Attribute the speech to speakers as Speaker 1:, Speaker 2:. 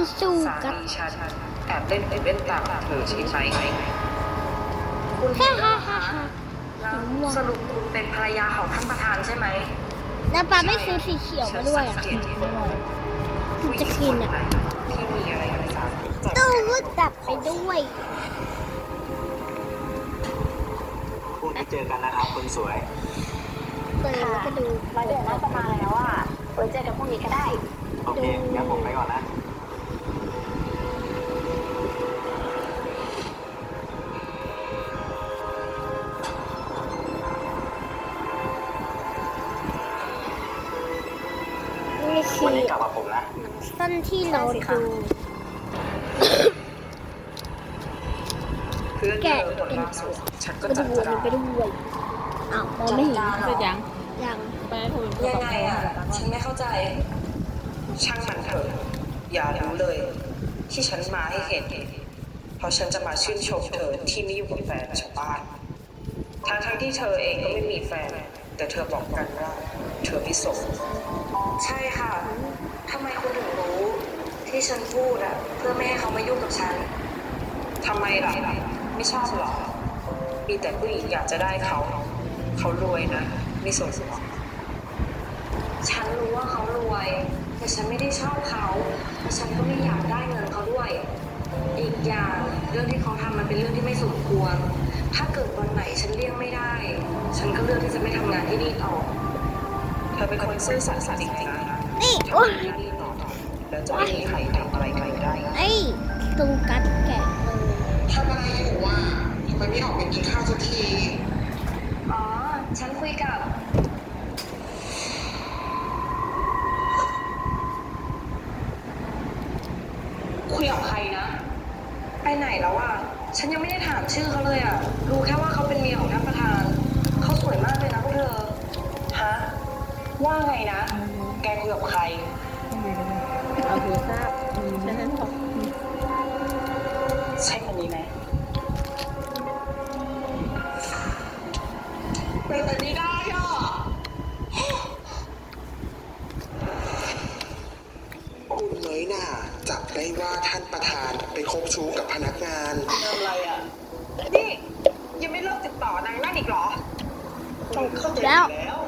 Speaker 1: สู้
Speaker 2: สา
Speaker 1: กับ
Speaker 2: มีฉันแอบเล่นเป็นเล่นตามเธอใช่ไหมคุณ
Speaker 1: ฮ่า
Speaker 2: เห็นแล้ว
Speaker 1: ฮ่า
Speaker 2: เหรอ
Speaker 1: ฮ่า
Speaker 2: คะ
Speaker 1: ฮ่า
Speaker 2: แล้วสรุปคุณเป็นภรรยาของท่านประธานใช่ไหม
Speaker 1: แล้วป้าไม่ซื้อสีเขียวมาด้วยอ่ะ
Speaker 2: ผู้หญิงคนไหนที่มีอะไรกับสามี
Speaker 1: ตู้ก็จับไปด้วย
Speaker 3: พรุ่งนี้เจอกันนะครับคนสวย
Speaker 1: เปิดแล้วก็ดู
Speaker 4: มาเดือนหน้าจะมาแล้วอ่ะไว้เจอกันพรุ่งนี้ก็ได้
Speaker 3: โอเคงั้นผมไปก่อนนะ
Speaker 1: นี่คื
Speaker 3: วัน
Speaker 1: อ
Speaker 3: นี้กลับกับผมนะ
Speaker 1: สั้นที่เราดู
Speaker 2: เพื่อนเธอคนล่าสุดฉันก็
Speaker 1: ไป
Speaker 2: จัด
Speaker 1: ดู
Speaker 2: จา
Speaker 1: ไปด้วยอ้าวมองไม่เห็น
Speaker 5: จะยัง
Speaker 1: ยัง
Speaker 5: ไปให้คุณ
Speaker 2: ยังไงอ่ะ ฉันไม่เข้าใจ ช่างมันเถอะ อย่ารู้เลย ที่ฉันมาให้เห็น เพราะฉันจะมาชื่นชมเธอที่ไม่อยู่กับแฟนชาวบ้านทั้งที่เธอเองก็ไม่มีแฟน แต่เธอบอกกันว่าเธอพิโสดใช่ค่ะทำไมคุณถึงรู้ ที่ฉันพูดอ่ะ เพื่อไม่ให้เขามายุ่งกับฉันทำไมล่ะ ไม่ชอบหรอ มีแต่ผู้หญิงอยากจะได้เขา เขารวยนะ ไม่สนหรอกฉันรู้ว่าเขารวย แต่ฉันไม่ได้ชอบเขาและฉันก็ไม่อยากได้เงินเขาด้วย อีกอย่างเรื่องที่เขาทำมันเป็นเรื่องที่ไม่สมควร ถ้าเกิดวันไหนฉันเลี่ยงไม่ได้ ฉันก็เลือกที่จะไม่ทำงานที่นี่ต่อ เธอเป็นคนซื่อสัตย์จริงๆนะ
Speaker 1: นี่
Speaker 2: ทำ
Speaker 1: โอ้ย
Speaker 2: งานที่นี่ต่อแล้วจะไม่มีใครทำอะไรใครได้
Speaker 1: ไอ้ตูกัดแกะเลย
Speaker 6: ทำอะไรอยู่อ่ะทำไมไม่ออกไปกินข้าวสักที
Speaker 2: อ๋อ ฉันคุยกับ คุยกับใครนะ ไปไหนแล้วอ่ะ ฉันยังไม่ได้ถามชื่อเขาเลยอ่ะ รู้แค่ว่าเขาเป็นเมียของท่านประธาน เขาสวยมากเลยนะพวกเธอ ฮะ ว่าไงนะ แกคุยกับใคร
Speaker 5: ทำไมกันเอาถือทราบฉันนั้นบอก
Speaker 2: ใช่คนนี้ไหม
Speaker 6: เป็นไปไม่ได้อ่ะ คุณน้อยหน่าจับได้ว่าท่านประธานไปคบชู้กับพนักงาน
Speaker 2: ทำอะไรอ่ะ นี่ ยังไม่เลิกติดต่อนางนั่นอีกเหรอ ต้องเข้าใจอยู่แล้ว